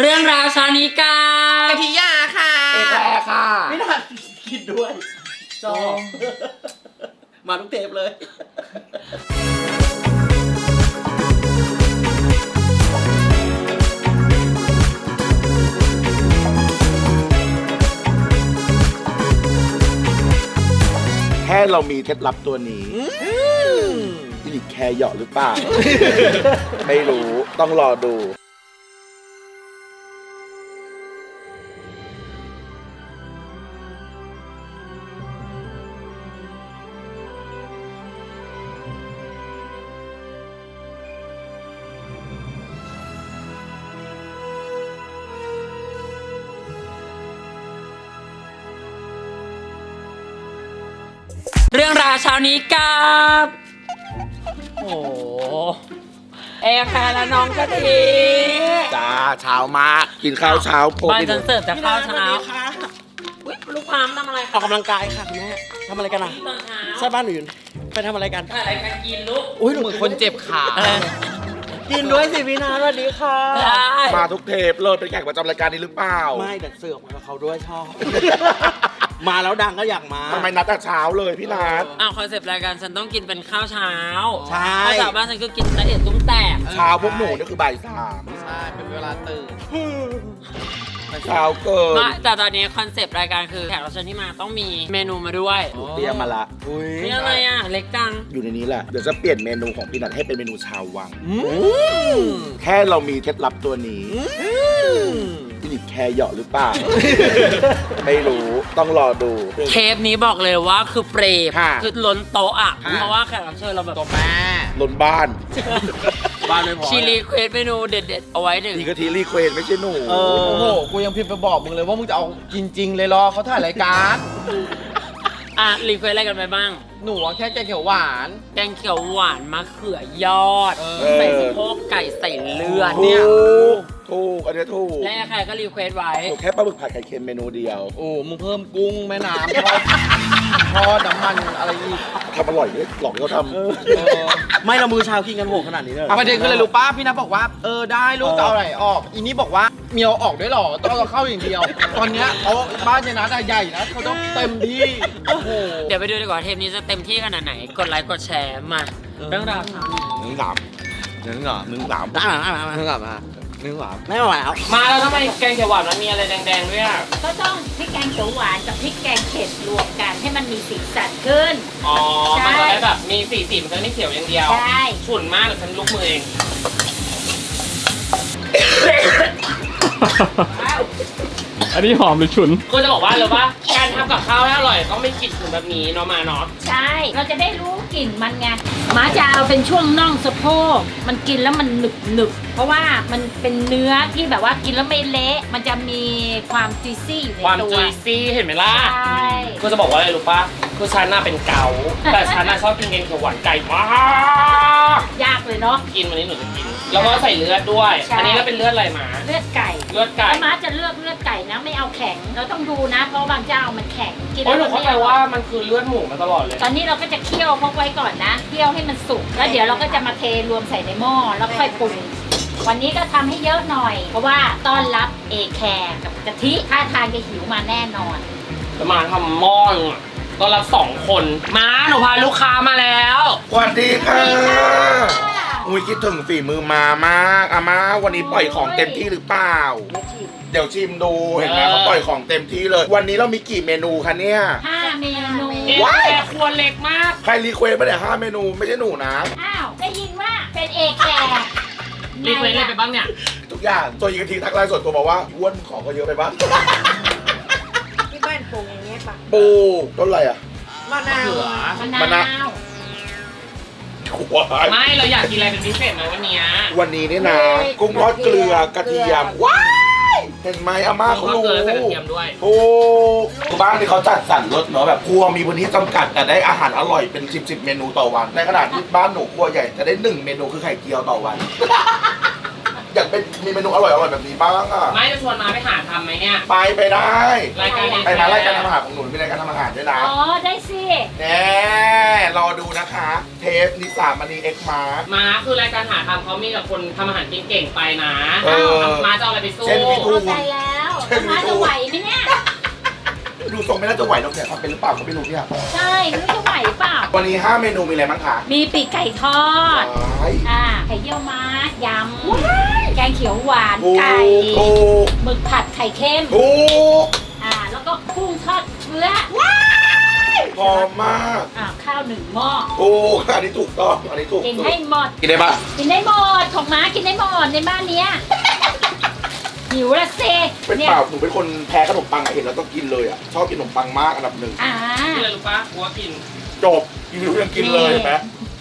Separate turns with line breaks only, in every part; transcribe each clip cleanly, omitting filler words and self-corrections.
เรื่องราวเช้านี้กับ
กะทิยาค่ะ
เอกแอร์ค่ะ
ไม่ทันคิดด้วยจอมาทุกเทปเลย
แค่เรามีเคล็ดลับตัวนี้พี่หลิกแคร์เหยาะหรือเปล่า ไม่รู้ต้องรอดู
เรื่องราวเช้านี้กับโอ้แอร์แคร์และน้องกะทิ
จ้าเช้ามากินข้าวเช้าโพ
บ้าน
กิน
ฉันเสิร์ฟแต่ข้าวเช้า
ค่ะ
อุ๊ยลูกพามทำอะไร
ออกกำลังกายค่ะคุณแม่ทำอะไรกันอ่ะ
ตอนเช้า
ใช่บ้านหนูอยู่ไปทำอะไรกัน
อะไรกันกินลูก
อุ้ยเหมือนคนเจ็บขากินด้วยสิพี่นาสวัสดีค่ะ
ได้
มาทุกเทปเลยเป็นแขกประจำรายการนี้หรือเปล่า
ไม่แต่เสือกมากับเขาด้วยชอบ มาแล้วดังก็อยากมา
ทำไมนัดแต่เช้าเลยพี่นัด
อ้าวคอนเซปต์รายการฉันต้องกินเป็นข้าวเช้า
ใช่
ข้าวเช้าบ้านฉันคือกินละเอียดตุ้มแตก
เช้าพวกหนูนี่คือบ่ายสาม
ใช่เป็นเวลาตื่น
เช้าเกิน
ไม่แต่ตอนนี้คอนเซปต์รายการคือแขกรับเชิญที่มาต้องมีเมนูมาด้วย
เตรียมมาละ
อุ้ย
นี่อะไรอ่ะ เล็กจัง
อยู่ในนี้แหละเดี๋ยวจะเปลี่ยนเมนูของพี่นัดให้เป็นเมนูชาววัง
อืม
แค่เรามีเคล็ดลับตัวนี้พี่หลิกแคร์เหยาะหรือเปล่า ไม่รู้ต้องรอดู
เทปนี้บอกเลยว่าคือเปรย์
ค่ะ
คือล้นโต๊ะอ่ะ
ค่ะ
เพราะว่าแขกรับเชิญเราแบบ
ตัวแม่
ล้นบ้าน
บ้านไม่พอ
ชีรีเควสเมนูเด็ดๆ เอาไว้หนึ่ง
นี่กะทิรีเควสไม่ใช่หนู
โอ้โหกูยังพิมพ์ไปบอกมึงเลยว่ามึงจะเอาจริงๆเลยรอเขาถ่ายรายการ
อ่ะรีเควสอะไรกันไปบ้าง
หนูอะแค่แกงเขียวหวาน
แกงเขียวหวานมะเขือยอด
เออ
ใส่สะโพกไก่ใส่เลือด
ถู
เนี่ย
กถูกอันนี้ถูก
และใครก็รีเควสไว้
ถูกแค่ปลาหมึกผัดไข่เค็มเมนูเดียว
โอ้มึงเพิ่มกุ้งแม่น้ำทอดทอดน้ำมันอะไรอีก
ทำอร่อยเลยหลอกให้เขาทำ
ไม่เรามือเช้ากินกันโหขนาดนี้เลยประเด็นคืออะไรรู้ป้าพี่นัทบอกว่าได้ลูกจะเอาอะไรออกอีนี่บอกว่าเมียวออกด้วยหรอต้องเอาเข้าอย่างเดียว ตอนเนี้ยเขาบ้านเจนัทอะใหญ่นะเขาต้องเต็มที่โอ้โห
เดี๋ยวไปดูดีกว่าเทปนี้จะเต็มที่ขนาดไหน กดไลค์กดแชร์มา เรื่องราวเช้านี้
หนึ่งสาม
นึงเหรอ
หนึ่งสาม
นึงเหรอมานึงเหรอไม่ไหวแล้ว
มาแล้วทำไมแกงเขียวหวานมันมีอะไรแดงๆด้วยอ่ะ
ก็ต้องพริกแกงเขียวหวานกับพริกแกงเผ็ดรวมกันให้มันมีสีสันขึ้น
อ๋อ
ใช่
มันจะได้แบบมีสีมันจะไม่เขียวอย่างเดียว
ใช่
ฉุนมากเดี๋ยวฉันลุกมือเอง
อันนี้หอมหรือฉุน
ก็จะบอกว่าเลยว่าการทำกับข้าวให้อร่อยต้องไม่กลิ่นฉุนแบบนี้เนาะมาเนาะ
ใช่ เราจะได้รู้กลิ่นมันไงหมาจะเอาเป็นช่วงน่องสะโพกมันกินแล้วมันหนึบหนึบเพราะว่ามันเป็นเนื้อที่แบบว่ากินแล้วไม่เละมันจะมีความจุยซี่อยู่ใน
ความ
ตัว
จุยซี่เห็นไหมล่ะ
ใช่
ก็จะบอกว่าอะไรรู้ปะคือฉันน่ะเป็นเกาต์แต่ฉันน่ะชอบกินแกงเขียวหวานไก่มาก
ยากเลยเนาะ
กินวันนี้หนูจะกิน แล้วก็ใส่เลือดด้วย
ใช่
อันนี้เราเป็นเลือดอะไรมา
เลือดไก่
เลือดไก่
แล้วม้าจะเลือกเลือดไก่นะไม่เอาแข็ง เราต้องดูนะ เพราะบางเจ้ามันแข็งกิน
โอ้ยหนู
แล้ว
เข้าใจว่ามันคือเลือดหมูมาตลอดเลย
ตอนนี้เราก็จะเคี่ยวพกไว้ก่อนนะเคี่ยวให้มันสุกแล้วเดี๋ยวเราก็จะมาเทรวมใส่ในหม้อแล้วค่อยปรุงวันนี้ก็ทำให้เยอะหน่อย เพราะว่าต้อนรับเอแคร์กับกะทิท่าทางจะหิวมาแน่นอน
จะมาทำหม้อนึงอะต้อนรับ2 คนมาหนูพาลูกค้ามาแล้ว
สวัสดีค่ะอุ้ยคิดถึงฝีมือมามากอาม่าวันนี้ปล่อยของเต็มที่หรือเปล่า เดี๋ยวชิมดูเห็นไหมเขาปล่อยของเต็มที่เลย วันนี้เรามีกี่เมนูคะเนี่ย
5 เมนู
เอแคร์ครัวเล็กมาก
ใครรีเควสต์มาเนี่ย5 เมนูไม่ใช่หนูนะ
อ้าวได้ยินว่าเป็นเอแคร์
รีเควสอะไรไปบ้างเนี่ย
ทุกอย่างตัวยิงกะทิทักไลน์ส่วนตัวบอกว่าอ้วนของก็เยอะไปบ้าง
ที่บ้านปลูกอย่างเงี้ยป่ะ
ปูต้นอะไรอ่ะ
มะนาว
มะ
มะนาน
าว
ถั่ว
ไม่เราอยากกินอะไรเป็นพิเศษไหมวันเนี้ย
วันนี้เนี่ยนะกุ้งทอดเกลือกระเทียมว้ายเห็นไหมอาม่าเขา
ก็
รู้
เกลือใส่กระเทียมด้วย
โอ้บ้านที่เขาจัดสรรรถเนาะแบบครัวมีพื้นที่จำกัดแต่ได้อาหารอร่อยเป็น10 เมนูต่อวันในขณะที่บ้านหนูครัวใหญ่จะได้1 เมนูคือไข่เจียวต่อวันอยากเป็นมีเมนูอร่อยๆแบบนี้บ้างอ่ะ
ไม่จะชวนมาไปหาทำไหมเนี่ย
ไปได้
รายการนี้
ไปนะรายการทำอาหารของหนูมีรายการทำอาหารด้วยนะ
อ๋อ ได้สิ
แน่รอดูนะคะ เทปนิสามณีเอ็กมาร์
มาคือรายการหาทำเขามีแต่คนทำอาหารเก่งๆไปนะ
เออ
มาจะเอาอะไรไปสู้
เช่นพี่ทู
เข้าใจแล้วมาจะไหวไหมเนี่ย
ดูทรงไม่น่าจะไหวหรอกเนี่ยทำเป็นหรือเปล่าก็ไม่รู้เนี่ย
ใช่ไม่รู้จะไหวเปล่า
วันนี้ 5 เมนูมีอะไรบ้างคะ
มีปีกไก่ทอด
ว้าย
ไข่เยี่ยวม้ายำ แกงเขียวหวาน
ถูก
ไก่
ถูก
หมึกผัดไข่เค็ม
ถูก
แล้วก็กุ้งทอดเชื้อ
หอมมาก
ข้าวหนึ่งหม้อ
ถูกอันนี้ถูกต้องอันนี้ถูก
กินให้หมด
กินได้ปะ
กินได้หมด ของม้ากินได้หมดในบ้านเนี้ย หิวละเซ
เป็น
เนี่ย
เปล่าหนูเป็นคนแพ้ขนมปังอะเห็นแล้วต้องกินเลยอะชอบกินขนมปังมากอันดับหนึ่ง
กินอะไรรู้ปะหัวกิน
จบกินรู้ยังกินเลยเห็นไหม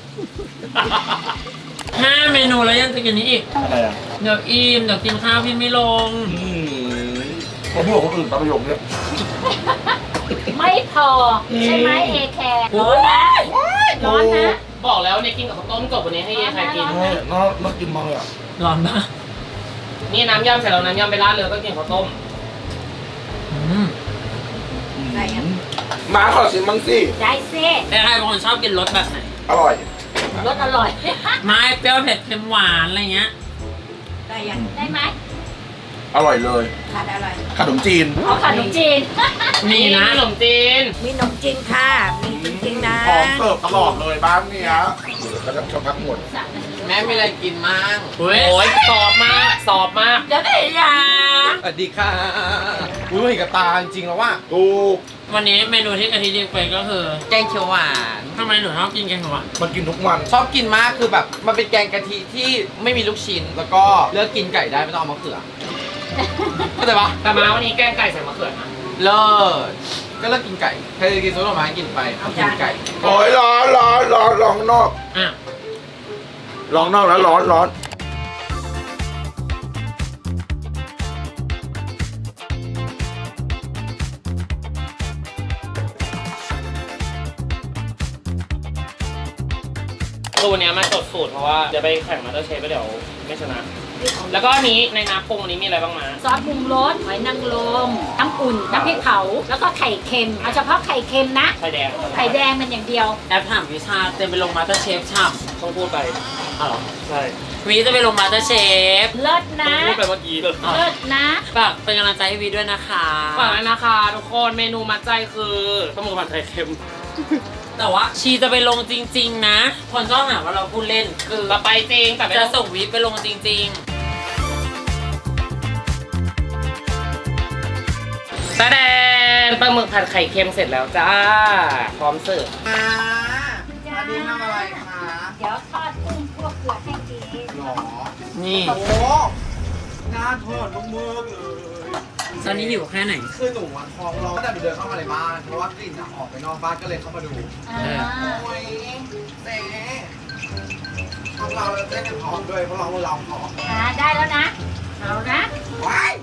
5 เมนูแล้วยังจะกินนี้อีก
อะไรอะ
เดี๋ยวอิ่มเดี๋ยวกินข้าวพี่ไม่ลง
ผมพูดกับคนอื่นตามประโยคเนี่ย
ไม่พอ ใช่ไหมเอแคร์ร้อนนะร้อนนะ
บอกแล้วเนี่ยกินกับข้าวต้มจบวันนี้ให้เยใครกิน
น่ากินมากเลยอะ
ร้อนปะนี่น้ำยำเสร็จแล้วน้ำยำไปราดเลยก็กินข้าวต้ม
อะไรอ่ะ
มาขอชิมบ้างสิ
ได้เซ
แต่ใครบางคนชอบกินรสแบบไหน
อร่อย
รสอร่อย
ไม่เปรี้ยวเผ็ดเค็มหวานอะไรเงี้ย
ได้ยัง
ได้ไหม
อร่อยเลย
ขาดอะไร
ขนมจีน
เอาขนมจีน
มีนะขนมจีน
มีขนมจีนค่ะ มีจริงๆนะ
พร้อมเสิร์ฟตลอดเลยบ้านเนี้ยแล้วก็ชอบพักหมด
แม่มีอะไรกินมั่ง
โอ้ยสอบมากสอบมาก
เดี๋ยวได้ยา
สวัสดีค่ะอุ้ยเห็นกับตาจริงๆแล้วว่า
ถูก
วันนี้เมนูที่กะทิเรียกไปก็คือ
แกงเขียวหวาน
ทำไมหนูชอบกินแกงเขียวหวาน
มันกินทุกวัน
ชอบกินมากคือแบบมันเป็นแกงกะทิที่ไม่มีลูกชิ้น แล้วก็เลือกกินไก่ได้ไม่ต้องเอามะเขือเข้าใจปะ
แต่มาวันนี้แกงไก่ใส่มะเขือนะ
เลิศก็เลิกกินไก่ใครจะกินซุปหน่อไม้กินไปเอากินไก่
โอ้ยร้อนร้อนข้างนอก
อ่ะ
ร้อนนอกแล้วร้อน
คือวันนี้มาจดสูตรเพราะว่าเดี๋ยวไปแข่งมาสเตอร์เชฟแล้วเดี๋ยวไม่ชนะ แล้วก็อันนี้ในน้ำปรุงอันนี้มีอะไรบ้างมา
ซอสปรุงรสหอยนางรมน้ำอุ่น น้ำพริกเผา แล้วก็ไข่เค็ม เอาเฉพาะไข่เค็มนะ
ไข่แดง
ไข่แดงมันอย่างเดียว
แอปถามวิชาเต็มไปลงมาสเตอร์เชฟช่ำต้องพูดไปอ๋อเหรอใช่วีจะไปลงมาสเตอร์เชฟ
เลิศนะ
พูดไปเมื่อกี้เลย
เลิศนะ
ฝากเป็นกำลังใจให้วีด้วยนะคะฝากด้วยนะคะทุกคนเมนูมัดใจคือข้าวหมูผัดไข่เค็ม แต่ว่าชีจะไปลงจริงๆนะคนชอบหาว่าเราพูดเล่นคือเราไปจริงแต่จะส่งวีไปลงจริงๆแสดงปลาหมึกผัดไข่เค็มเสร็จแล้วจ้าพร้อมเสิร์ฟ
อันนี้ทำอะไรคะ
เดี๋ยวทอดกุ้งคั่วเกลือให้กิน
หรอ
นี่
โอ้น่าทอดลูกมือเลย
ตอนนี้หิวแค่ไหน
คือหนูอะท้องร้องตั้งแต่หนูเดินเข้ามาในบ้านเพราะว่ากลิ่นอะออกไปนอกบ้านก็เลยเข้ามาดู โอ้ยเจ๊ของเราเล่นกันท้องด้วยเพราะเราท้อง
ได้แล้วนะ เอานะ
ว้าย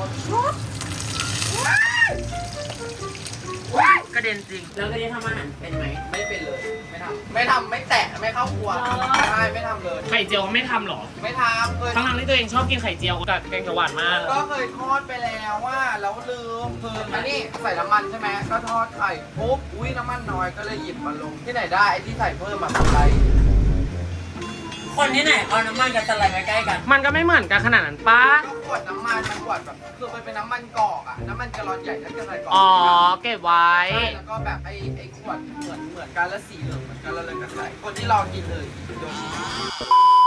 กระเด็นจริง แล้วกระเด็นทำอาหารเป็นไหม
ไม่เป็นเลย ไม่ทำไม่แตะไม่เข้าครัวใช่ไม่ทำเลย
ไข่เจียวไม่ทำหรอ
ไม่ทำเคย
ทั้งที่ตัวเองชอบกินไข่เจียวกับแกงเขียวหวานมาก
ก็เคยทอดไปแล้วว่าแล้วลืมคืออันนี้ใส่น้ำมันใช่ไหมก็ทอดไข่ปุ๊บอุ้ยน้ำมันน้อยก็เลยหยิบมาลงที่ไหนได้ไอ้ที่ใส่เพิ่มมาทำไร
คนที่ไหนเอาน้ำมันกับสไลด์มาใกล้กัน มันก็ไม่เหมือนกันขนาดนั้นป้า
ก็ขวดน้ำมันมันขวดแบบคือมันเป็นน้ำมันกอกอะน้ำมันแกลลอนใหญ่ถ้าจะใส่กอก
อ๋อ เก็บไว้
ใช่แล้วก็แบบไอ้ขวดเหมือนกันแล้วสีเหลืองเหมือนกันแล้วเลยกันใส่คนที่ลองกินเลยโดน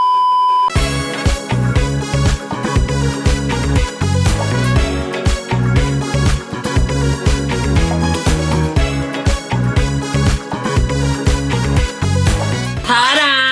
ทาดา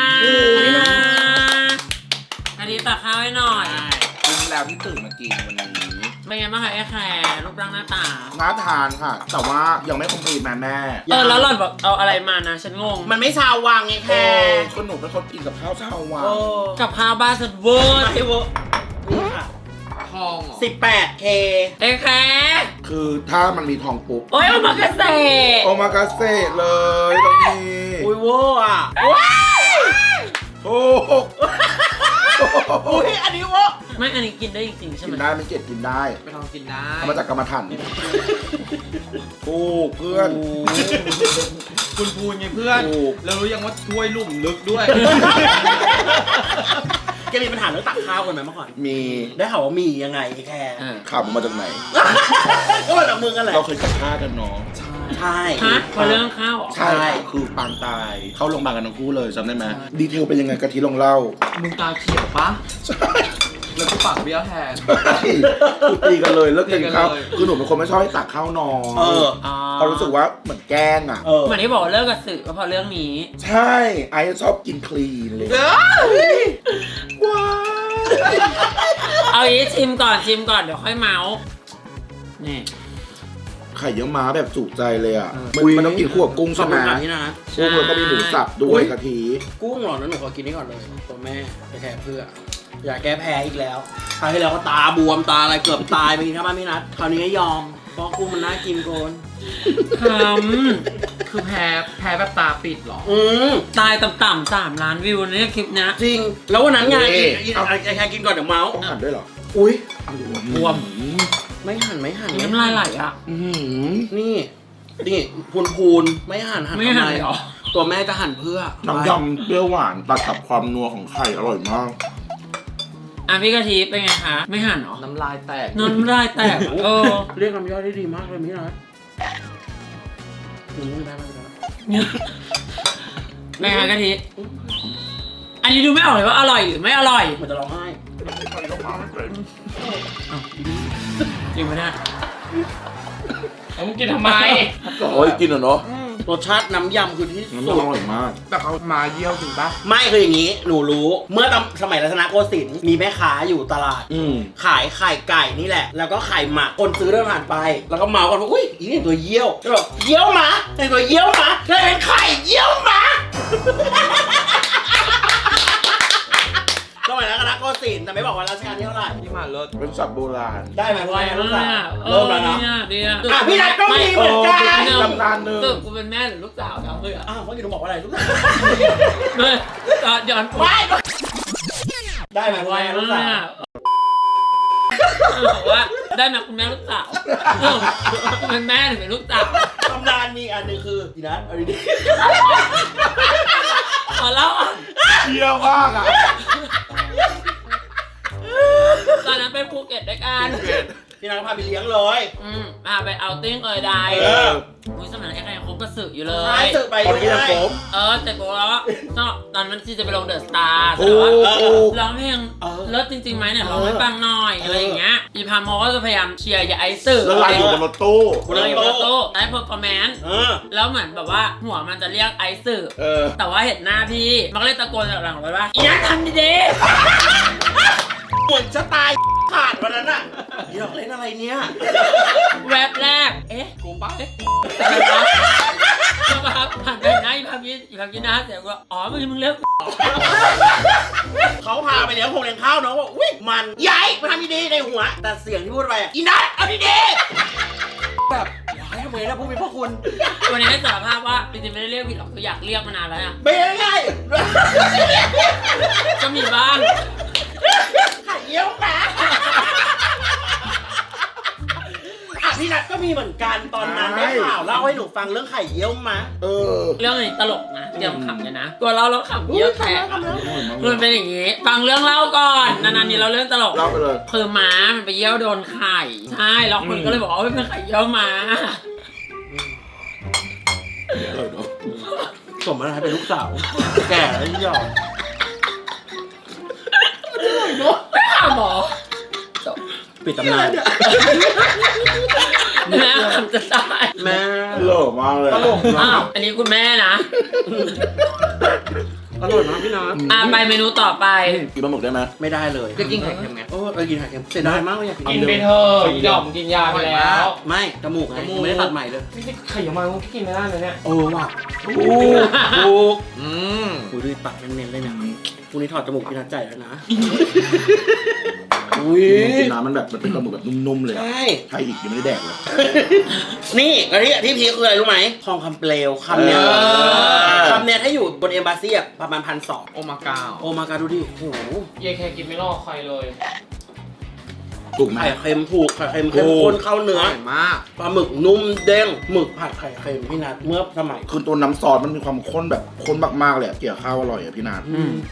อันนี้ตักข้าวให้หน่อย
กินแล้วที่ตื่นมากินวันนี้
เป็นไงบ้างคะไอ้แคร์รูปร่างหน้าตา
น่าทานค่ะ แต่ว่ายังไม่คอมพลีทแม่
แล้วหล่อนบอกเอาอะไรมานะ ฉันงง
มันไม่ชาววังไง
เอ
แค่
อคนหนูเป็นคนกินกับข้าวเช้าวัน
กับข้าวบ้านสุดเวอร์
ไม่เวอร์ทองเหรอ
18K
ไอ้แคร์
คือถ้ามันมีทองปุ๊บ
โอ้ยเอามากระเส
โอมากาเซ่เลยตรงนี้
อุ้ยเวอร์อ่ะ
ถูก
อุ้ยอันนี้วะ
ไม่อันนี้กินได้จริงๆใช่
กิ
ไหม
นได้มันเจ็ดกินได้
ไปลองกินได้
เอามาจากกรรมฐานถูกเพื่อน
คุณพูนไงเพื่อน
ถูก
แล้วรู้ยังว่าถ้วยลุ่มลึกด้วย
แกมีปัญหาเรื่องตักข้าวกันไหมเมื่อก่อน
มี
ได้ข่าวว่ามียังไงไอ้แค่
ข่าวมันมาจากไหน
ก็มาจากมึงกันแหละ
เราเคยจัดฆ่ากันเนาะ
ใช่
ฮะพอเรื่องข้าวเหรอ
ใช่คือปางตายเข้าโรงพยาบาลกันทั้งคู่เลยจำได้ไหมดีเทลเป็นยังไงกะทิลองเล่า
มึงตาเขียวปะ
ใช่
แล้วกูปากเบี้ยวแทน
คือตีกันเลยเลิกกินข้าว
ตีกันเลย
คือหนูเป็นคนไม่ชอบให้ตักข้าวน้อย
เออ
เขารู้สึกว่าเหมือนแกล้งอ่ะ
เออ
เหมือนที่บอกว่าเลิกกับสื่อก็เพราะเรื่องนี้
ใช่ไอ้ชอบกินคลีนเลยว้าว
เอาอย่างนี้ชิมก่อนเดี๋ยวค่อยเมาส์นี่
ไข่เยี่ยวม้าแบบจุใจเลยอ่ะมันต้องกินคู่กับกุ้ง
ขอ
ใช่
บ
ไหม
คุณค่ะนี่นะ
กุ้งแล้วก็มีหมูสับด้วยกะทิ
กุ้งเหรอนั้นหนูขอกินนี่ก่อนเลยตัวแม่ไปแทนเพื่อ อยากแก้แพ้อีกแล้วคราวที่แล้วก็ตาบวมตาอะไรเกือบตายไปกินข้าวบ้านพี่นัทคราวนี้ก็ยอมเพราะกุ้งมันน่ากินโกน
ท
คือแพ้แบบตาปิดเหรอ
ำตายต่ำๆ3 ล้านวิวเนี่ยคลิปนี้
จริง แล้ววันนั้นไงไอ้แค่กินก่อนเดี๋ยวเมาส์
ต้องหั่นด้วยเหรอ
อุ้ย
บวม
ไม่หั่น
น้ำลายไหลอ่ะ
อื้อหือ
นี่พูนไม่หั่น
ไม่หั่นเลยเหรอ
ตัวแม่จะหั่นเพื่อ
น้ำยำเปรี้ยวหวานตัดกับความนัวของไข่อร่อยมาก
อ่ะพี่กะทิเป็นไงคะไม่หั่นเหรอ
น้ำลายแตก
น้ำลายแตกเออ
เรียกน้ำย่อยได้ดีมากเลยพี่นัทได้
เป็นไงกะทิอันนี้ดูไม่ออกเลยว่าอร่อยหรือไม่อร่อย
เหมือนจะร้องไห้
จริงไหมเนี่ย
เอามึงกินทำไม
โอ้ยกินเหรอเนาะ
รสชาติน้ำยำคือที่
น้ำ
สุ
ยำ
ด
อร่อยมาก
แต่เขามาเยี่ยวจริงปะ
ไม่คืออย่างนี้ หนูรู้ เมื่อสมัยรัตนโกสินทร์มีแม่ค้าอยู่ตลาด
อืม
ขายไข่ไก่นี่แหละ แล้วก็ไข่หมักคนซื้อเดินผ่านไป แล้วก็เมากันว่าอุ้ยอีนี่ตัวเยี่ยวแล้วบอกเยี่ยวหมาแต่ตัวเยี่ยวหมาแล้วเป็นไข่เยี่ยวหมาสมัยรัตนโกสินทร์แต่ไม่บอกว่ารัชกาลที่เท่าไหร่
ที่มาเลิศ
เป็นสับโบราณ
ได้ไหมพ่อลูกสาว
เอ
เริ่
อ
มแล้วเนาะ
ดีอ่ะ
อ่ะพี่นัทก็มีเหมือนกัน
ตำนานหนึ่ง
สรุปกูเป็นแม่หรือลูกสาวทั้งเลยอ่ะ
อ้าวเมื่อกี้หนูบอกว่าอะไรลูกสาว
เลยย้อน
ไม่ได้ไหมพ่อลูกสาว
บอกว่าได้มาคุณแม่ลูกสาวเป็นแม่หรือเป็นลูกสาว
ตำนานมีอันหนึงคือพี่นัทเอาดี
ขอเล่าอ่ะ
เที่ยวมากอ่ะ
ตอนนั้นไปภูเก็ตด้วยกัน
ๆพี่นัทพาไปเลี้ยงเลย
พาไปเอาติ้งเอยใด
เออ
อุ้ยสมัยนั้นไอ้ใครยังคบกระสืออยู่เล
ใช่
ย
สึกไป
ตอนนี้ยังโฟม
เสร็จปุ๊บแล้วก็ตอนนั้นที่จะไปลงเดอะสตาร์
ถูก
ร้องเพลงเลิศจริงๆไหมเนี่ยร้องให้ฟังหน่อยอะไรอย่างเงี้ยอีพามโมก็จะพยายามเชียร์อย่าไอซ์
แล้วเราอยู่บนรถตู้
กูเลยอยู่บนรถตู้ได้เพอร์ฟอร์แมนซ์
เออ
แล้วเหมือนแบบว่าหัวมันจะเรียกไอซ์
เออ
แต่ว่าเห็นหน้าพี่ มันก็เลยตะโกนจากหลังรถว่าอีนัททำดี
เหมือนจะตายขาดวันนั้นอ่ะพี่นัทเล่นอะไรเนี่ย
ๆแวบแรก เอ๊ะ
กูปะ
อะไรวะก็มาผ่านไปหน้าอีพามกินหน้าเสร็จก็อ๋อมึงเลือก
เขาพาไปเลี้ยงคงเลี้ยงข้าวน้องบอกอุ้ยมันใหญ่มาทำดีๆในหัว แต่เสียงที่พูดไปอ่ะอีนัทเอาดีๆแบบอย่าให้ทำไมนะผู้มีพระคุณ
วันนี้ให้สารภาพว่าจริงๆไม่ได้เรียกผิดหรอกคืออยากเรียกมานานแล้วนะ
เป็นไง
ก็มีบ้าง
ไข่เยี่ยวหมาอ่ะพี่นัทก็มีเหมือนกันตอนนั้นได้ข่าวเล่าให้หนูฟังเรื่องไข่เยี่ยวหมา
เออ
เรื่องนี้ตลกนะเตรียมขำกันนะตัวเราขำเยอะแค่มันเป็นอย่างนี้ ฟังเรื่องเล่าก่อนนานๆนี้เราเรื่องตลก
เล่าไปเลย
คือม้ามันไปเยี่ยวโดนไข่ใช่แล้วคนก็เลยบอกว่าเป็นไข่เยี่ยวม้า
สมแล้วให้เป็นลูกสาว แก่แล้วยอม
ไม่หาหมอ
ปิดตำนาน
แม่ขำจะตาย
แม่
หล่อมากเลย
ตลก
อ้าวอันนี้คุณแม่นะ
อร่อยมากพี่นัท
ไปเมนูต่อไป
กินปลาหมึกได้ไหม
ไม่ได้เลย
จะกินไข่เค็มไง
โอ้กินไข่เค็มเสียดายมากเลยอยาก
กินไปเถอะหย่อมกินยาไปแล้ว
ไม่จมูกไงไม่ได้ตัดใหม่เลย
ไม่ใช่ไข่ยามามึงกินไม่ได้เลยเนี่ย
โอ้ว่ะถูก
อืม
กูดูปากเน้นๆเลยเนี่ยพรุ่งนี้ถอดจมูกพี่นัทใจแล้วนะ
ม
อุ้ย
กินน้ำมันแบบมันเป็นปลาหมึกแบบนุ่มๆเลย
ใช่
ไทยอีกยังไม่ได้แดกเลย
นี่แล้วที่พีคคืออะไรรู้ไหมทองคำเปลวคำเนี้ยคำเนี้ยถ้าอยู่บนเอมบาซีอะประมาณ1,200
โอมากาว
โอมากาดูดิโอ้โห
เยแค่กินไม่รอดใครเลย
ถูกไหม
ไข่เค็มถูกไข่เค็มเข้มข้นเข้าเนื้อ
อร่อยมาก
ปลาหมึกนุ่มเด้งหมึกผัดไข่เค็มพี่นัทเมื่อสมัย
คือตัวน้ำซอสมันมีความข้นแบบข้นมากๆเลยอะเกี่ยวข้าวอร่อยอะพี่นาท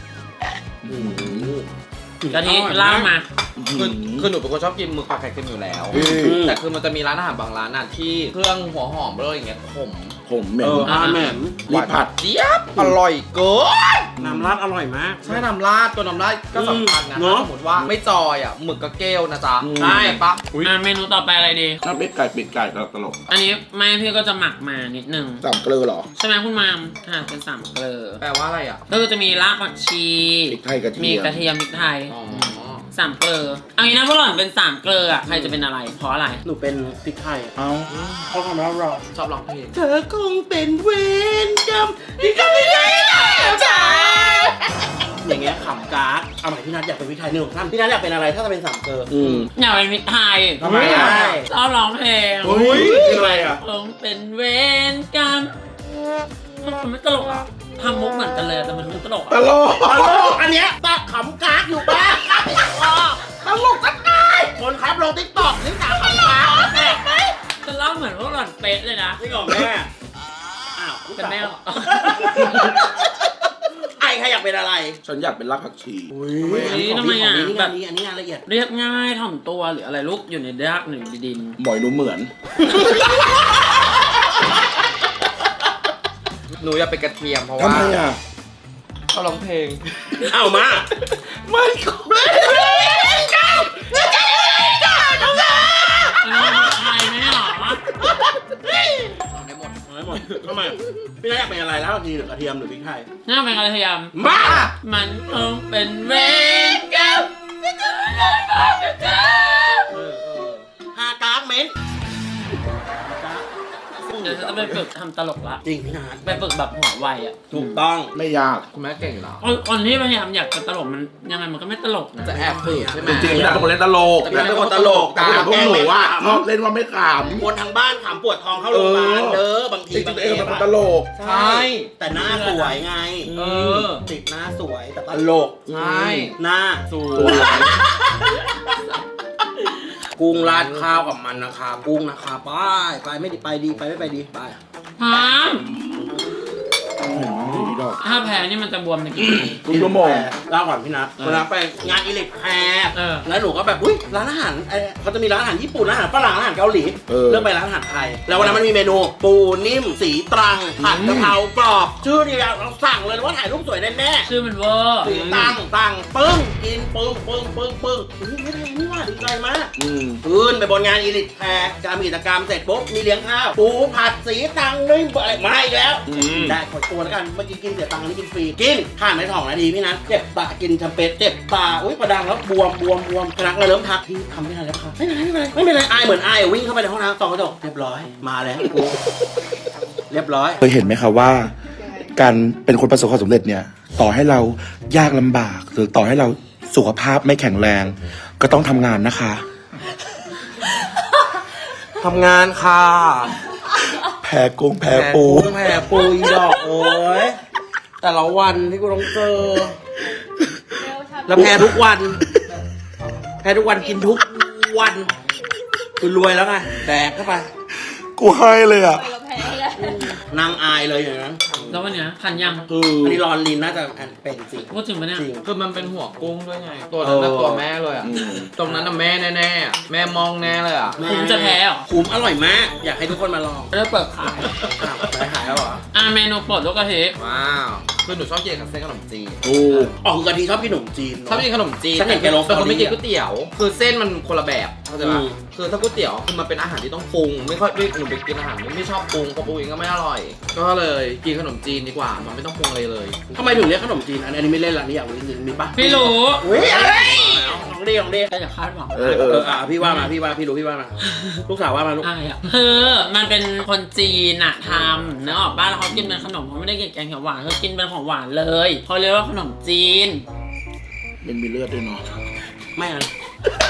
กะทิเล่ามา
คือหนูเป็นคนชอบกินหมึกผัดไข่เค็มอยู่แล้ว แต่คือมันจะมีร้านอาหารบางร้านน่ะที่เครื่องหัวหอมอะไรอย่างเงี้ยขม
ผมเหม็น
แหม่ม
รีบผัด
เจี๊ยบอร่อยเกิน
น้ำราดอร่อยมาก
ใช่น้ำราดตัวน้ำราดก็สำคัญนะ
เนอะ
ถ้าสมมติว่าไม่จอยอ่ะหมึกก็เกลนะจ๊ะ
ใช่
ปะ
เมนูต่อไปอะไรดี
ถ้าเป็ดไก่ตลก
อันนี้แม่พี่ก็จะหมักมานิดนึง
สามเกลือเหรอ
ใช่ไหมคุณมามเป็นสามเกลือ
แปลว่าอะไรอ่ะ
ก็คือจะมีรากผักชี
พริกไทยกระเทียม
มีกระเทียมพริกไทย
อ๋อ
สามเกลือเอางี้นะพวกหล่อนเป็นสามเกลืออะใครจะเป็นอะไร เพราะอะไร
หนูเป็นพริกไทย
เอ้า
เขาทำแล้วรอ
ชอบร้องเพลง
เธอคงเป็นเวรกรรมที่ทำไม่ได้แล้วจ้าอย่างเงี้ยขำการ์ดเอาใหม่พี่นัทอยากเป็นพริกไทย1 3พี่นัทอยากเป็นอะไรถ้าจะเป็น3 เกลือ
อยากเป็นพริกไทย
ทำไมอะ
ชอบร้องเพลง
เฮ้ยคืออะไรอ่ะ
ผมเป็นเวรกรรมมันไม่ตลกอ่ะทำมุกเหมือนกันเลยแต่มันไม่ตลก
ต
อ่ะ
ลก
ตลกอันเนี้ยตาขำการ์ดอยู่บ้างตลกสักหน่อยคนครับลงติ๊กต็อกนี่ตาขำการ์ดแม่ไหม
จะเล่าเหมือนพวกหล่อนเป๊ะเลยนะ
นี่ของแม่อ้าว
เป็นแม่หรอ
ไอ้ใครอยากเป็นอะไร
ฉันอยากเป็นรากผักชี
ทำไมอ่ะ
นี่
แบ
งา
บ
นนี้อันนี้งานละเอียด
เรียบง่ายถ่อมตัวหรืออะไรลูกอยู่ในรากหนึ่งดิน
หมอยหนูเหมือน
หนูอยากเป็นกระเทียมเพราะ
ทำ
ว่า
ไมอ่ะ
ชอบร้องเพลง
เอามา
ไม่ก็
อันนี้เป็นไทยไม่หรอ
ได้หมด
เอาให้หมดทำไมพี่นัทอยากเป็นอะไรแล้วทีหรือกระเทียมหรือพริกไทย
น่าเป็นกระเทียม
มา
มันคงเป็นเวรกรรม
ฮากากเม้น
เดี๋ยวจะไปฝึกทำตลกละ
จริงพี่นัท
ไปฝึกแบบหัวไวอ่ะ
ถูกต้อง
ไม่ยาก
คุณแม่เก่งอยู่แล้ว
คนที่พยายามอยากจะตลกมันยังไงมันก็ไม่ตลกนะ
จะแอบฝืนใช่ไหม
จริงๆอยากเป็นคนเล่นตลก
แต่พี่นัทเป็นคนตลก
แต่พวกหนูอ่ะชอบเล่นว่าไม่ข
คนทางบ้านขำปวดท้องเข้าโรงพยาบาลเด้อบาง
ำ
ที
จริงๆตัวเองเป็นคนตลก
ใช่ แต่หน้าสวยไง
เออ
ติดหน้าสวยแต่ตลก
ใช่
หน้าสวยกุ้งราดข้าวกับมันนะคะกุ้งนะคะไปไม่ดีไปดีไปไม่ไปดีไป
ฮะ
ดีดอก
ถ้าแพ้นี่มันจะบวมในกี่ปี
ทุกชั่วโมง
เล่าก่อนพี่นัทเวลาไปงานอิเล็กแพร์
เออ
แล้วหนูก็แบบอุ้ยร้านอาหารเขาจะมีร้านอาหารญี่ปุ่นร้านอาหารฝรั่งร้านอาหารเกาหลี เลือกไปร้านอาหารไทย แล้ววันนั้นมันมีเมนู ปูนิ่มสีตรังผัดกะเพรากรอบชื่อเดียวเราสั่งเลยว่าถ่ายรูปสวยแน่ๆ
ชื่อมันเวอร์
สีตั้งปึ้งกินปึ้งไม่ได้นี่ว่าดีใจมาก คืนไปบนงานอีลิทแพร์การมีกิจกรรมเสร็จปุ๊บมีเลี้ยงข้าวปูผัดสีตังนึ่งอะไรมาอีกแล้วได้ขอตัวแล้วกันเมื่อกี้กินเสียตังค์อันนี้กินฟรีกินผ่านไป2 นาทีพี่นัทเจ็บตากินแชมเปญเจ็บตาอุ้ยประดังแล้วบวมพนักงานเริ่มทักพี่ทำไม่ทันแล้วครับไม่เป็นไรอายเหมือนอายวิ่งเข้าไปในห้องน้ำส่องกระจกเรียบร้อยมาแล้วกูเรียบร้อย
เคยเห็นไหมคะว่า การเป็นคนประสบความสำเร็จเนี่ย ต่อให้เรายากลำบาก หรือต่อให้เราสุขภาพไม่แข็งแรง ก็ต้องทำงานนะคะ
ทำงานค่ะ
แพ้กุ้งแพ้ปู
แผ่ปูอีดอกโอ้ยแต่ละวันที่กูต้องเจอแล้วแพ้ทุกวันกินทุกวันคือรวยแล้วไงแดกเข้าไป
กูให้เลยอ่ะ
นางอายเลยอย่างนั้น
แล้ววันเนี้ยทันยัง
อันนี้รอนลินน่าจะเป็นจริง
พูดถึงปะเนี่ย
จริง
คือมันเป็นหัวกุ้งด้วยไง ตัวนั้นน่ะ
เออ
ตัวแม่เลยอ่ะ ตรงนั้นน่ะแม่แน่ๆอะแม่มองแน่เลยอ่ะ
ผมจะแพ้เหรอ
คุ้มอร่อยมาก อยากให้ทุกคนมาลอง
ไม่ได้เปิดขาย
อ้าวไปขายแล้วเหรอ
เมนูโปรดลูกกะทิ
ว้าว คือหนูชอบกินกับเส้นขนมจีน
อ๋อคือกะทิชอบกินขนมจีนเนอะ
ชอบกินขนมจีน
ฉันเห็นแกลง
แต่คนไม่กิน
สตอรี่อะ
ก๋วยเตี๋ยว คือเส้นมันคนละแบบเข้าใจปะ
อืม
คือถ้าก๋วยเตี๋ยวคือมันเป็นอาหารที่ต้องปรุง ไม่ค่อยหนูไปกินอาหารไม่ชอบปรุงเพราะปรุงเองก็ไม่อร่อย ก็เลยกินขนมจีนดีกว่า มันไม่ต้องปรุงอะไรเลย
ทำไมถึงเรียกขนมจีนอันนี้ไม่เล่นละนี่อยากรู้จริงๆมีปะ
พี่รู้
อุ้ยอะไรของดีของดี
แต่อย่าคาดหวัง
พี่ว่ามาพี่รู้พี่ว่ามาลูกสาวว่ามาลูก
อายอ่ะคือมันเป็นคนจีนอะทำเนื้อออกบ้านแล้วเขากินเป็นขนมเขาไม่ได้กินแกงเขียวหวานเขากินเป็นของหวานเลยเขาเรียกว่าขนมจีน
เป็นมีเลือดด้วยเนาะ
ไม่เอา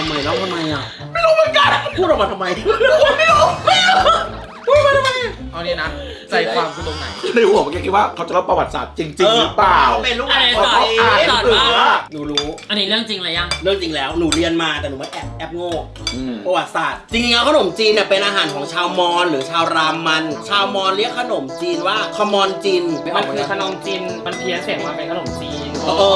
ำไมแล้วทำไมอ่ะไม่รู้เหมือนกันพูดออกมาทำไมไม่รู้พูดมาทำไม
เอานี่นะใจความคือตรงไหน
ในหัวเมื่อกี้คิดว่าเขาจะเล่าประวัติศาสตร์จริงๆหรือเปล่า
เป็นลูก
อะไร
เขา
สอน
เอง
สอนว่า
หนูรู้
อันนี้เรื่องจริงเลยยัง
เรื่องจริงแล้วหนูเรียนมาแต่หนูไม่แอบโง่ประวัติศาสตร์จริงๆแล้วขนมจีนเนี่ยเป็นอาหารของชาวมอญหรือชาวรามัน ชาวมอญเรียกขนมจีนว่าขมอนจีน
มันคือขนมจีน มันเพี้ยนเสียงมาเป็นขนมจีน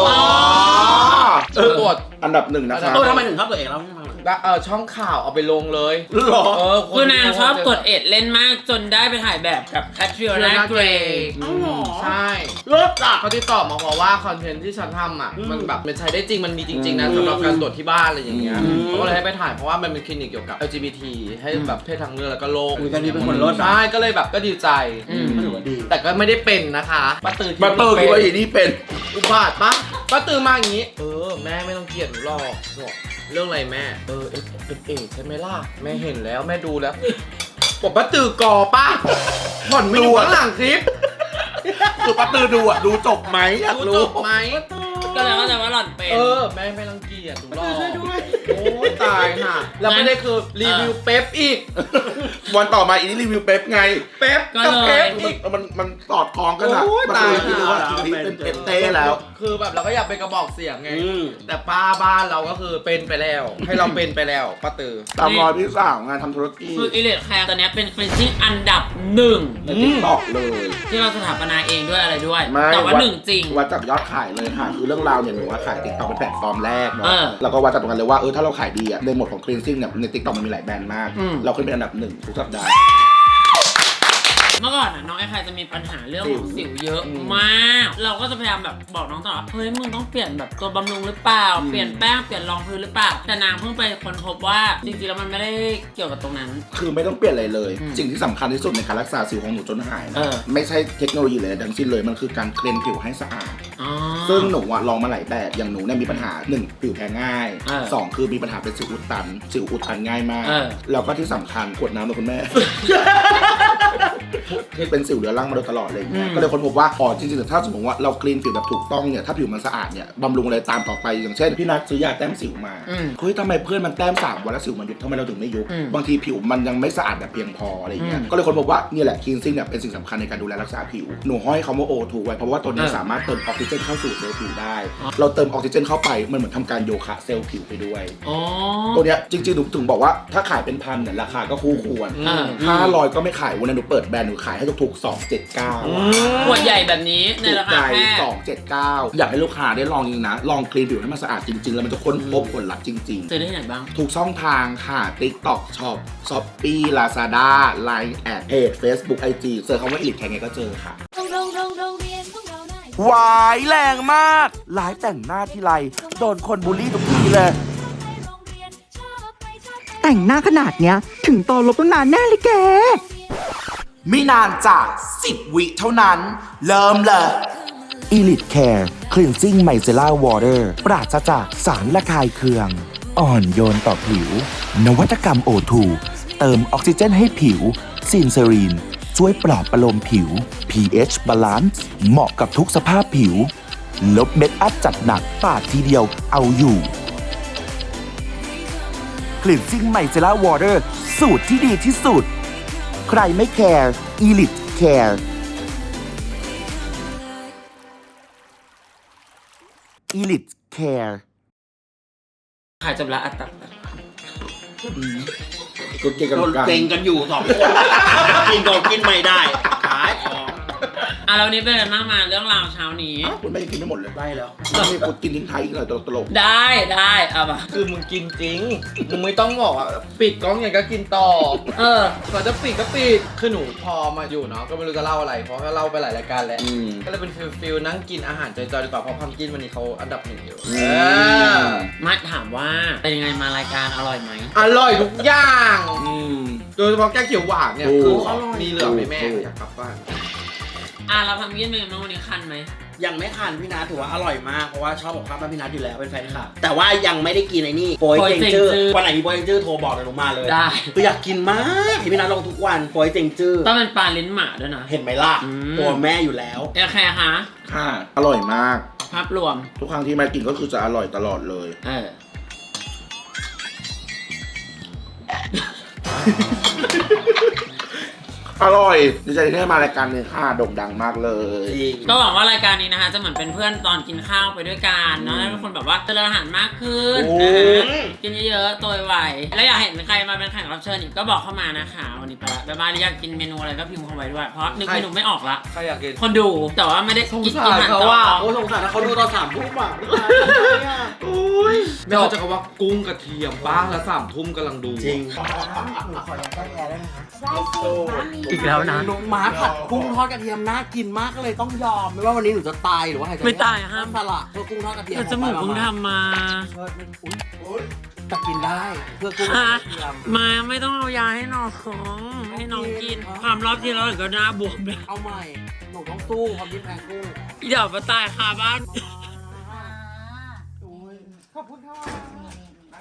ปวด
อันดับ 1นะคะ
ทำไมถึงชอบตัวเองแล้วไม่ทำ
แล้วช่องข่าวเอาไปลงเลย
หรอ
คือนางชอบกดเอ็ดเล่นมากจนได้ไปถ่ายแบบกับแคทริโอนาเกรย์
ใช่
เลิศอ่ะ
เขาติดต่อมาเพราะว่าคอนเทนต์ที่ฉันทำอ่ะ มันแบบมันใช้ได้จริงมันมีจริงๆนะสำหรับการตรวจที่บ้านอะไรอย่างเงี้ยเขาก็เลยให้ไปถ่ายเพราะว่ามันเป็นคลินิกเกี่ยวกับ LGBT ให้แบบเพศทางเลือกแล้วก็โลก
การนี้เป็นคนเลิศ
ใช่ก็เลยแบบก็ดีใจ
ก็ถือว่าดี
แต่ก็ไม่ได้เป็นนะคะป้าตือ
บัตเตอร์คิดว่าอีนี่เป็น
อุบาทปะป้าตือมาอย่างงี้แม่ไม่ต้องเกลียดหนูหรอกบอกเรื่องอะไรแม่เอใช่ไหมล่ะแม่เห็นแล้วแม่ดูแล้วบอกป้าตือกอปะผ่อนไม่ดูข้างหลังคลิป
คือป้าตือดูดูจบไหมอยาก
ดู
รู้
จบไหม
ก็เลยเข้าใจว่าหล่อนเป็น
แม่ไม่รังเกียจหนูหรอกโอ้ยตายห่ะแล้วไม่ได้คือรีวิวเป๊ปอีก
วันต่อมาอีนี่รีวิวเป๊ปไง
เป๊ป
ก็
กับ
เล
เป๊
ย
ปอีก
มันสอดคล้องกันอะ
โอ้ย
ป้า
ตาย
ตือคิดว่าอีนี่เป็นเป๊ปเต้แล้ว
คือแบบเราก็อยากเป็นกระบอกเสียงไง
อืม
แต่ป้าบ้านเราก็คือเป็นไปแล้ว ให้เราเป็นไปแล้วป้าตือ
ตามรอยพี่สาวงานทำธุรกิจ
คืออิเลดแคร์ตอนนี้เป็นคลีนซิ่งอันดับหนึ่ง
ในติ๊กต็อกเลย
ที่เราสถาปนาเองด้วยอะไรด้วย
ไม่
แต่ว่าหนึ่งจริง
วัดจากยอดขายเลยค่ะ คือเรื่องราวเนี่ยหนูว่าขายติ๊กต็อกเป็นแพลตฟอร์มแรกเนาะ
เออ
แล้วก็วัดจากตรงนั้นเลยว่าถ้าเราขายดีอะในหมวดของ cleansing เนี่ยในติ๊กต็อกมันมีหลายแบรนด์มาก
อืม
เราขึ้นเป็นอันดับ 1ทุกสัปดาห์
เมื่อก่อนน้องไอ้ใครจะมีปัญหาเรื่องของสิวเยอะมาก เราก็จะพยายามแบบบอกน้องตลอดเฮ้ยมึงต้องเปลี่ยนแบบตัวบำรุงหรือเปล่า เปลี่ยนแป้งเปลี่ยนรองพื้นหรือเปล่า แต่นางเพิ่งไปค้นพบว่าจริงๆแล้วมันไม่ได้เกี่ยวกับตรงนั้น
คือไม่ต้องเปลี่ยนอะไรเลย
อืม
สิ่งที่สำคัญที่สุดในการรักษาสิวของหนูจนหาย
เอ
นะ
อ
ไม่ใช่เทคโนโลยีเลยทั้งสิ้นเลยมันคือการเคลียนผิวให้สะอาด
อ๋อ
ซึ่งหนูอะลองมาหลายแบบอย่างหนูเนี่ยมีปัญหา 1 ผิวแพ้ง่าย
เออ
2 คือมีปัญหาเป็นสิวอุดตันง่ายมาก
เออ
แล้วก็ที่สำคัญขวดน้ำเลยคุณแม่ ที่เป็นสิวเรื้อรังมาโดยตลอดเลยางเงี้ยก็เลยค้นพบว่าอ๋อจริงๆถ้าสมมติว่าเราคลีนผิวแบบถูกต้องเนี่ยถ้าผิวมันสะอาดเนี่ยบำรุงอะไรตามต่อไปอย่างเช่นพี่นัทซื้อยาแต้มสิวมา
อืม
เฮ้ยทำไมเพื่อนมันแต้ม3 วันแล้วสิวมันยุบทำไมเราถึงไม่ยุบ
อืม
บางทีผิวมันยังไม่สะอาดแบบเพียงพออะไรเงี้ย
อืม
ก็เลยค้นพบว่านี่แหละคลีนซิ่งเนี่ยเป็นสิ่งสำคัญในการดูแลรักษาผิวหนูห้อยคำว่า O2 ไว้เพราะว่าตัวเนี้ยสามารถเติมออกซิเจนเข้าสู่เซลล์ผิวได้ เราเติมออกซิเจนเข้าไปมันเหมือนทำการโยคะเซลล์ผิวไปด้วย
อ๋อ
ตัวเนี้ยจริงๆหนูถึงบอกว่าถ้าขายเป็นพันเนี่ยราคาก็คู่ควร
อ่า
500ก็ไม่ขายวันนั้นหนูเปิดแบรนด์หนูขายให้ถูกๆ279
ขวดใหญ่แบบนี้ใน
ถูก
รา
ใจ
คาแค่
279 อยากให้ลูกค้าได้ลองจริงนะ ลองคลีนผิวให้มันสะอาดจริงๆ แล้วมันจะค้นพบผลลัพธ์จริง
ซื้อได้ที่ไหนบ้าง
ๆ ถูกช่องทางค่ะ TikTok Shop Shopee Lazada Line แอดเพจ Facebook IG เจอคำว่า Elite แค่ไงก็เจอค่ะ วายแรงมากไลฟ์แต่งหน้าทีไรโดนคนบูลลี่ทุกทีเลย
แต่งหน้าขนาดเนี้ย ถึงตอนลบตั้งนานแน่เลยแก
ไม่นานจาก 10 วิเท่านั้น เริ่มเลย Elite Care Cleansing Micellar Water ปราศจากสารละคายเคือง อ่อนโยนต่อผิว นวัตกรรม O2 เติมออกซิเจนให้ผิวซินเซรีนช่วยปลอบประโลมผิว pH Balance เหมาะกับทุกสภาพผิว ลบเม็ดอัพจัดหนักปาดทีเดียวเอาอยู่ Cleansing Micellar Water สูตรที่ดีที่สุด ใครไม่แคร์ Elite Care Elite Care
ขายจบละอัตตา
กูเก่งกัน
โดนเก่งกันอยู่2 คนกินก็กินไม่ได้ขายของ
อ่ะแล้ววันนี้เป็นอะไรบ้างมาเรื่องราวเช้านี้
คุณไม่กินไม่หมดเลย
ได้แล้ว
นี่กูกินทิ้งท้ายอีกเลยตลก
ได้เอามา
คือมึงกินจริง มึงไม่ต้องบอกว่าปิดกล้องอย่างก็กินต่อ
เออ
เขาจะปิดก็ปิด คือหนูพอมาอยู่เนาะก็ไม่รู้จะเล่าอะไร เพราะก็เล่าไปหลายรายการแล้ว ก็เลยเป็นฟิลนั่งกินอาหารจอยๆดีกว่าเพราะพัมกินวันนี้เขาอันดับ 1อยู่
มาถามว่าเป็นยังไงมารายการอร่อยไหม
อร่อยทุกอย่าง
ๆ
โดยเฉพาะแกงเขียวหวานเนี่ย
โอ้
คือมีเหลือไหมแม่อยากกลับบ้าน
เราทำยื่นเป็นยังไงบ้างวันนี้คันไหม
ยังไม่ทานพี่นัทถือว่าอร่อยมากเพราะว่าชอบของข้าวบ้านพี่นัทอยู่แล้วเป็นแฟนคลับแต่ว่ายังไม่ได้กินไอ้นี่โปยเจงจื้อวันไหนมีโปยเจงจื้อโทรบอกเดี๋ยวหนูมาเลย
ได้
คืออยากกินมากเห็นพี่นัทลงทุกวันโปยเจงจื้อ
ต้องเป็นปลาลิ้นหมาด้วยนะ
เห็นไหมล่ะ
อืม
ตัวแม่อยู่แล้ว
โอเคคะ
ค่ะ อร่อยมาก
ภาพรวม
ทุกครั้งที่แม่กินก็คือจะอร่อยตลอดเลย
เออ
อร่อยดีใจที่ได้มารายการนี้ค่ะโด่งดังมากเลย
ก็หวังว่ารายการนี้นะคะจะเหมือนเป็นเพื่อนตอนกินข้าวไปด้วยกันเนาะให้เป็นคนแบบว่าเจริญอาหารมากขึ้นนะคะกินเยอะๆโตไวๆแล้วอยากเห็นใครมาเป็นแขกรับเชิญอีกก็บอกเข้ามานะคะวันนี้ไปละแบบว่าอยากกินเมนูอะไรก็พิมพ์เข้าไว้ด้วยเพราะนึกเมนูไม่ออกละ
ใครอยากกิน
คนดูแต่ว่าไม่ได้
สง
กิน
สาร
อาหาร
เขา
ต่อ
ว่า
โอ้สงสารนะเขาดูตอน3 ทุ่มอ่ะ
ไม่เขาจะว่ากุ้งกระเทียมป้าแล้ว3 ทุ่มกำลังดู
จริง
อีกแล้วนะ
น้องม้าผัดกุ้งทอดกระเทียมน่ากินมากเลยต้องยอมไม่ว่าวันนี้หนูจะตายหรือว่าใครจะ
ไม่ตายอะห้าม
สละเพื่อกุ้งทอดกระเทียม
แต่จมูกเพิ่งทำมา
แต่กินได้เพื่อกุ้งทอดกระเทียม
มาไม่ต้องเอายาให้น้องให้น้องกินความรอบที่แล้วเดี๋ยวก็หน้าบวมเลย
เอาใหม่หนูต้องสู้ความดิ้นแรงกุ้ง
เดี๋ยวมาตายคาบ้าน
ขอบคุณค่ะ